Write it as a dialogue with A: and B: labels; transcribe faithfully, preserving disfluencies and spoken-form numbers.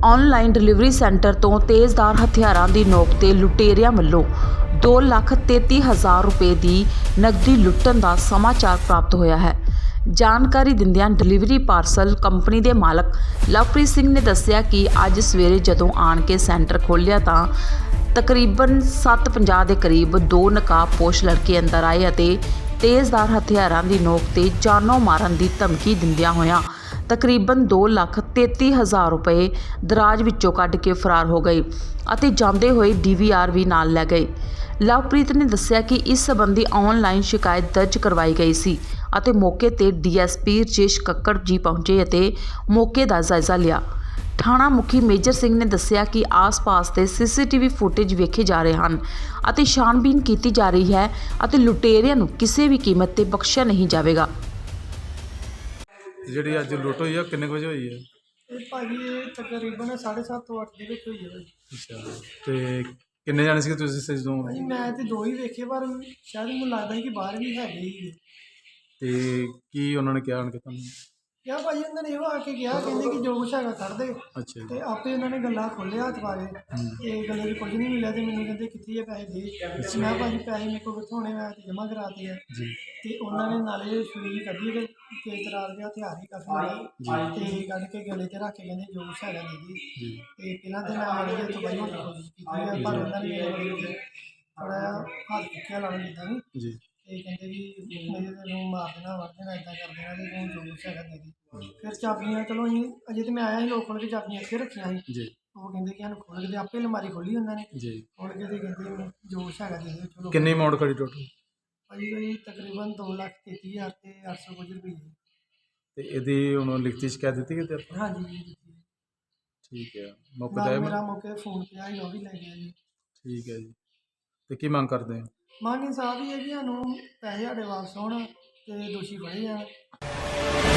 A: Online delivery centre तो तेज़दार हथियारों की नोक ते लुटेरिया वालों दो लख तेती हज़ार रुपए की नकदी लुट्टन का समाचार प्राप्त होया है। जानकारी दिंदियां डिलीवरी पार्सल कंपनी के मालक लवप्रीत सिंह ने दस्सिया कि अज सवेरे जदों आण के सेंटर खोलिया तां तकरीबन सत्त पंजाह के करीब दो नकाबपोश लड़के अंदर आए अते तेज़दार हथियारों की नोक ते जानों मारन की धमकी दिंदियां होइयां तकरीबन दो लख तेती हज़ार रुपए दराज विचों कढ़ के फरार हो गए अते जांदे होए डी वी आर भी नाल लै गए। लवप्रीत ने दस्सिया कि इस संबंधी ऑनलाइन शिकायत दर्ज करवाई गई सी अते मौके ते D S P Rajesh Kakkar ji पहुंचे अते मौके का जायजा लिया। थाणा मुखी मेजर सिंह ने दस्सिया कि आस पास के C C T V footage वेखे जा रहे हैं अते छानबीन की जा रही है अते लुटेरियां नूं किसी भी कीमत ते बख्शिया नहीं जाएगा।
B: ਜਿਹੜੀ ਅੱਜ ਲੁੱਟ ਹੋਈ ਆ ਕਿੰਨੇ ਕੁ ਵਜੇ ਹੋਈ ਹੈ?
C: ਇਹ ਭਾਜੀ ਇਹ ਤਕਰੀਬਨ ਸਾਢੇ ਸੱਤ ਤੋਂ ਅੱਠ ਦੇ ਵਿੱਚ ਹੋਈ ਹੈ ਭਾਜੀ।
B: ਅੱਛਾ ਤੇ ਕਿੰਨੇ ਜਾਣੇ ਸੀਗੇ ਤੁਸੀਂ ਇਸ ਜਦੋਂ?
C: ਭਾਜੀ ਮੈਂ ਤੇ ਦੋ ਹੀ ਵੇਖੇ ਪਰ ਸ਼ਾਇਦ ਮੈਨੂੰ ਲੱਗਦਾ ਸੀ ਕਿ ਬਾਹਰ ਵੀ ਹੈਗੇ ਹੀ।
B: ਤੇ ਕੀ ਉਹਨਾਂ ਨੇ ਕਿਹਾ ਕਿ ਤੁਹਾਨੂੰ?
C: ਕਿਹਾ ਭਾਜੀ ਉਹਨਾਂ ਨੇ ਇਹੋ ਆ ਕੇ ਕਿਹਾ ਕਹਿੰਦੇ ਕਿ ਜੋ ਕੁਛ ਹੈਗਾ ਕੱਢ ਦੇ
B: ਅੱਛਾ ਜੀ।
C: ਤੇ ਆਪੇ ਉਹਨਾਂ ਨੇ ਗੱਲਾਂ ਖੋਲ੍ਹੇ ਹੱਥ ਪਾ ਕੇ ਤੇ ਗੱਲੇ 'ਚ ਕੁਝ ਨਹੀਂ ਮਿਲਿਆ ਤੇ ਮੈਨੂੰ ਕਹਿੰਦੇ ਕਿੱਥੇ ਆ ਪੈਸੇ ਦੇ। ਤੇ ਮੈਂ ਭਾਜੀ ਪੈਸੇ ਮੇਰੇ ਕੋਲ ਕਿੱਥੋਂ ਹੋਣੇ, ਮੈਂ ਤੇ ਜਮ੍ਹਾਂ ਕਰਾਤੇ ਆ।
B: ਜੀ।
C: ਤੇ ਉਹਨਾਂ ਨੇ ਨਾਲੇ ਛੁਰੀ ਕੱਢੀ ਤੇ ਤੇਜ਼ ਤਰਾਰ ਦੇ ਹਥਿਆਰ ਹੀ ਕਾਫੀ ਮਿਲੇ ਤੇ ਕੱਢ ਕੇ ਗਲੇ 'ਤੇ ਰੱਖ ਕੇ ਕਹਿੰਦੇ ਜੋ ਕੁਛ ਹੈਗਾ ਦੇ ਦੇ।
B: ਜੀ।
C: ਤੇ ਪਹਿਲਾਂ ਤੇ ਮੈਂ ਮਾੜੀ ਜਿਹੀ ਤਬਾਹੀ ਹੋਣ ਦੀ ਕੋਸ਼ਿਸ਼ ਕੀਤੀ ਹੈ ਪਰ ਉਹਨਾਂ ਨੇ ਮੇਰੇ ਬੜੀ ਥੋੜ੍ਹਾ ਜਿਹਾ ਹੱਥ ਚੁੱਕਿਆ ਲਾਉਣ ਦਿੱਤਾ ਨਹੀਂ।
B: ਜੀ।
C: ਤੇ ਕਹਿੰਦੇ ਵੀ ਮੇਰੇ ਨੂੰ ਮਾਰ ਦੇਣਾ ਵਰ ਦੇਣਾ ਇੱਦਾਂ ਕਰ ਦੇਣਾ ਤੇ ਤੂੰ ਜੋ ਕੁਛ ਹੈਗਾ ਦੇ ਦੇ। ਫਿਰ ਚਾਬੀਆਂ ਚਲੋ ਅਸੀਂ ਅਜੇ ਤੇ ਮੈਂ ਆਇਆ ਸੀ ਲੋਕ ਖੋਲ੍ਹ ਕੇ ਚਾਬੀਆਂ ਇੱਥੇ ਰੱਖੀਆਂ ਸੀ।
B: ਜੀ।
C: ਉਹ ਕਹਿੰਦੇ ਕਿ ਸਾਨੂੰ ਖੋਲ੍ਹ ਕੇ ਦੇ, ਆਪੇ ਅਲਮਾਰੀ ਖੋਲ੍ਹੀ ਉਹਨਾਂ ਨੇ।
B: ਜੀ।
C: ਖੋਲ੍ਹ ਕੇ ਤੇ ਕਹਿੰਦੇ ਜੋ ਕੁਛ ਹੈਗਾ ਦੇ ਦੇ। ਚਲੋ
B: ਕਿੰਨੀ ਅਮਾਊਂਟ ਖੜੀ ਟੋਟਲ?
C: ਭਾਜੀ ਕੋਈ ਤਕਰੀਬਨ ਦੋ ਲੱਖ ਤੇਤੀ ਹਜ਼ਾਰ ਤੇ ਅੱਠ ਸੌ ਕੁਝ ਰੁਪਏ।
B: ਤੇ ਇਹਦੀ ਹੁਣ ਲਿਖਤੀ ਸ਼ਿਕਾਇਤ ਦਿੱਤੀ ਗਈ ਤੇ ਆਪਾਂ?
C: ਹਾਂਜੀ ਜੀ।
B: ਠੀਕ ਹੈ। ਮੌਕੇ
C: ਨਾਲ
B: ਤੇ
C: ਮੇਰਾ ਮੌਕੇ 'ਤੇ ਫੋਨ ਪਿਆ ਸੀ ਉਹ ਵੀ ਲੈ ਗਿਆ ਜੀ।
B: ਠੀਕ ਹੈ ਜੀ। ਤੇ ਕੀ ਮੰਗ ਕਰਦੇ ਹੋ?
C: ਮੰਗ ਇਨਸਾਫ ਹੀ ਹੈ ਕਿ ਸਾਨੂੰ ਪੈਸੇ ਸਾਡੇ ਵਾਪਸ ਹੋਣ ਤੇ ਦੋਸ਼ੀ ਫੜੇ ਜਾਣ।